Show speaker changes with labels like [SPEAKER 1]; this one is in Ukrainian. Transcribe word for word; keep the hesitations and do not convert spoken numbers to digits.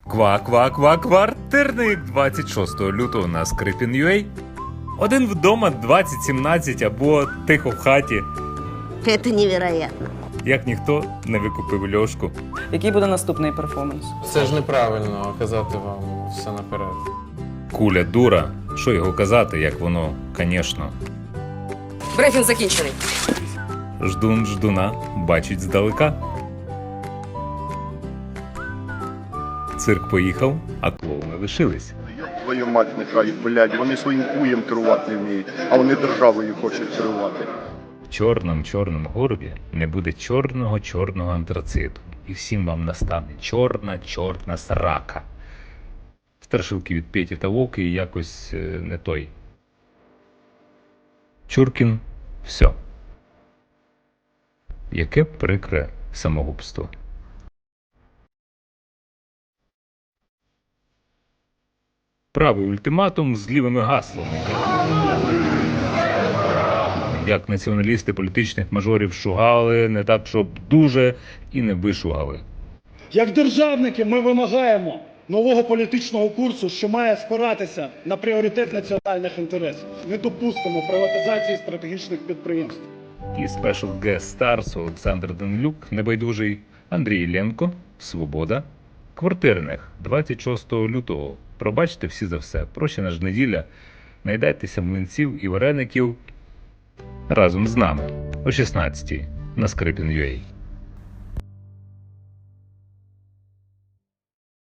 [SPEAKER 1] Ква-ква-ква квартирник двадцять шостого лютого на Скрипін.ua. Один вдома двадцять сімнадцять або тихо в хаті.
[SPEAKER 2] Это невероятно.
[SPEAKER 1] Як ніхто не викупив Льошку.
[SPEAKER 3] Який буде наступний перформанс?
[SPEAKER 4] Це ж неправильно казати вам все наперед.
[SPEAKER 1] Куля дура. Що його казати, як воно, конечно.
[SPEAKER 5] Брифінг закінчений.
[SPEAKER 1] Ждун ждуна бачить здалека. Цирк поїхав, а клоуни лишились.
[SPEAKER 6] Твою мать нехай, блядь, вони своїм куєм керувати не вміють, а вони державою хочуть керувати.
[SPEAKER 1] В чорному-чорному горбі не буде чорного-чорного антрациту. І всім вам настане чорна-чорна срака. Страшилки від Петі та Вовки якось е, не той. Чуркін – все. Яке прикре самогубство. Правий ультиматум з лівими гаслами. Як націоналісти політичних мажорів шугали, не так, щоб дуже і не вишугали.
[SPEAKER 7] Як державники ми вимагаємо нового політичного курсу, що має спиратися на пріоритет національних інтересів. Не допустимо приватизації стратегічних підприємств.
[SPEAKER 1] І Special Guest Stars Олександр Данилюк, Небайдужий, Андрій Іллєнко, Свобода, Квартирних, двадцять шостого лютого. Пробачте всі за все. Прощена ж неділя. Найдайтеся млинців і вареників разом з нами о шістнадцятій на Скрипін.ua.